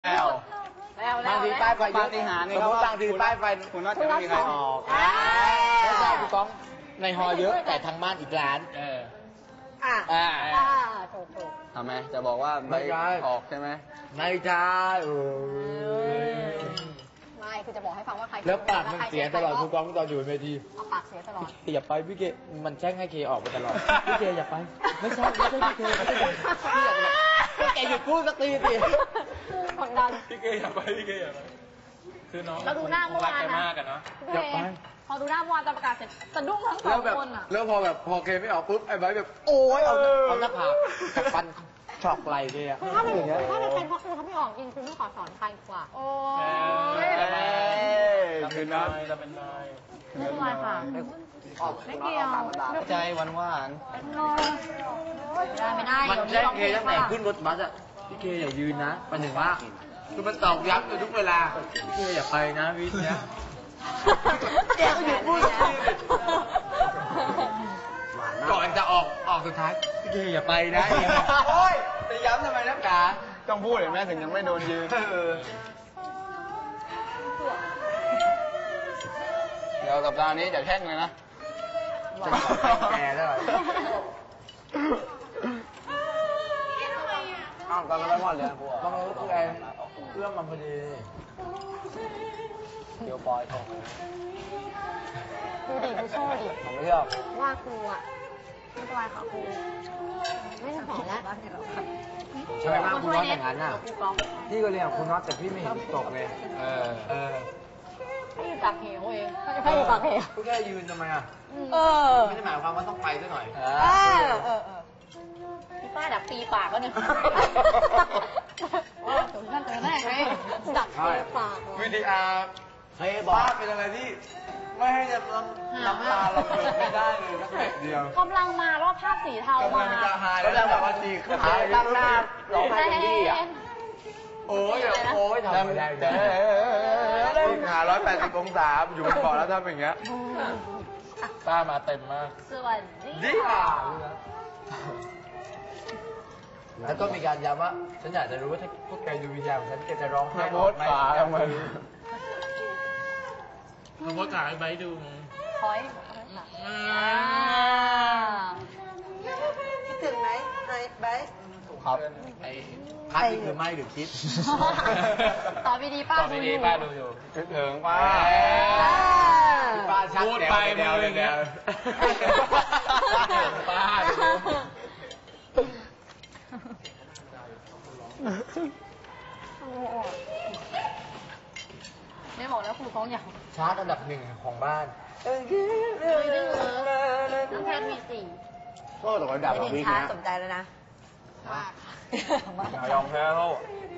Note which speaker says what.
Speaker 1: แล้วบางทีป้ายไฟเยอะที่หาเนี่ยเขาบางทีป้ายไฟคุณน่าจะไม่มีใครออก
Speaker 2: ไม่ใช่พี่ก้องในฮอเยอะแต่ทางบ้านอีกร้าน
Speaker 1: ถูกทำไมจะบอกว่าไม่ออกใช่ไหม
Speaker 2: ไม่ใช่
Speaker 3: ไม่คือจะบอกให้ฟังว่าใคร
Speaker 2: แล้วปากมันเสียตลอดทุกก้องตอนอยู่บนเวที
Speaker 3: ปากเสียตลอด
Speaker 2: อย่าไปพี่เกมันแช่งให้เคออกไปตลอดพี่เกอย่าไปไม่ใช่พี่เกพี่เกหยุดพูดสักทีสิ
Speaker 3: กดดัน
Speaker 4: พี่เกอย่าไปคือน้อง
Speaker 3: เราดูหน้าเมื่อวานนะ
Speaker 2: อย่าไป
Speaker 3: พอดูหน้าเมื่อวานตอนประกาศเสร็จสะดุ้งทั้งสองคนอ่ะ
Speaker 2: แล้วพอเคไม่ออกปุ๊บไอ้ใบแบบโอ้ยเอาหน้าผากกับฟันช็อกไหลเลยอ่ะ
Speaker 3: ถ้าเป็นเพราะคือเขาไม่ออกจริงคือไม่ขอสอนใครกว่าโอ้ย
Speaker 4: คือน้อยจะเป็นน้อย
Speaker 3: ไม่เป็นไรค่ะไม่เกี่ยว
Speaker 1: ใจหวาน
Speaker 3: ไม่ได้
Speaker 2: มันแจ้งเคตั้งแต่ขึ้นรถบัสอ่ะพี่เคอย่ายืนนะมันถึงว่าคือมันตอกย้ำอยู่ทุกเวลาพี่เคอย่าไปนะวิทย์เนี้ยแกก็หยุดพูดก่อนจะออกสุดท้ายพี่เคอย่าไปนะ
Speaker 1: โอ้ยจะย้ำทำไมนักกาต้องพูดเห็นไหมถึงยังไม่โดนยืนเดี๋ยวสัปดาห์นี้จะแข่งเลยนะ
Speaker 2: จะแก่แล้ว
Speaker 1: ตอนนั้นไม่หมดเลยพวก
Speaker 2: ต้องรู้คือไอ้เอื้อมมันพอดี
Speaker 1: เดี๋ยวปอยทอง
Speaker 3: ดูดิดูโซ่ดิ
Speaker 1: ผมไม่ชอบ
Speaker 3: ว่าครูอ่ะไม่เป็นไรค่ะครูไม่ต้องสอนแล้ว
Speaker 2: ใช่ไหมคุณน็อตอย่างนั้นน่ะพี่ก็เรียนคุณน็อตแต่พี่ไม่เห็นตกเลย
Speaker 3: ให้อยู่ปากเหวเองให้อยู่ปากเหว
Speaker 2: ก็แค่ยืนทำไมอ่ะไม่ได้หมายความว่าต้องไปซะหน่อย
Speaker 3: พี่ป้าดักปีปากก็เนี่ยถึงนั่นถึงแน่ไงดักปีปาก
Speaker 1: วิดีอาร์ป้าเป็นอะไรที่ไม่ให้จะน้ำตาเราเกิดไม่ได้เลยสักแบบเดียว
Speaker 3: กำลังมาแล้วภาพสีเทาก
Speaker 1: ำลังจะหายแล้วแบบว่าดีขึ้นตั้งหน้าร้องไห้ดีอ่ะโอ้ยทำไม่ได้หา180 องศาอยู่บนเบาะแล้วทำอย่างเงี้ย
Speaker 4: ป้ามาเต็มมาก
Speaker 3: สวัสดี
Speaker 2: แล้วก็มีการย้ำว่าฉันอยากจะรู้ว่าถ้าพวกแกดูวิญญาณฉันแกจะร้องไห้
Speaker 1: โพสฝาทำไม
Speaker 4: เราก็ถ่ายใบดู
Speaker 3: คอยคิดถึงไหมไบ
Speaker 2: ครับไอ้คัดคือไม่หรือคิด
Speaker 3: ตอบดีป้าดู
Speaker 4: อยู่
Speaker 1: คิดถึงป้าชัด
Speaker 4: พูดไปเดียวเลยเนี่ยป้า
Speaker 3: ไม่บอกแล้วครูเขาอยาก
Speaker 2: ชาร์ตอันดับ1ของบ้าน
Speaker 3: น้องแพทมี4
Speaker 1: ก็ตกระดับของวิกนะ
Speaker 3: สนใจแล้วนะ
Speaker 4: ยอมแพ้เขา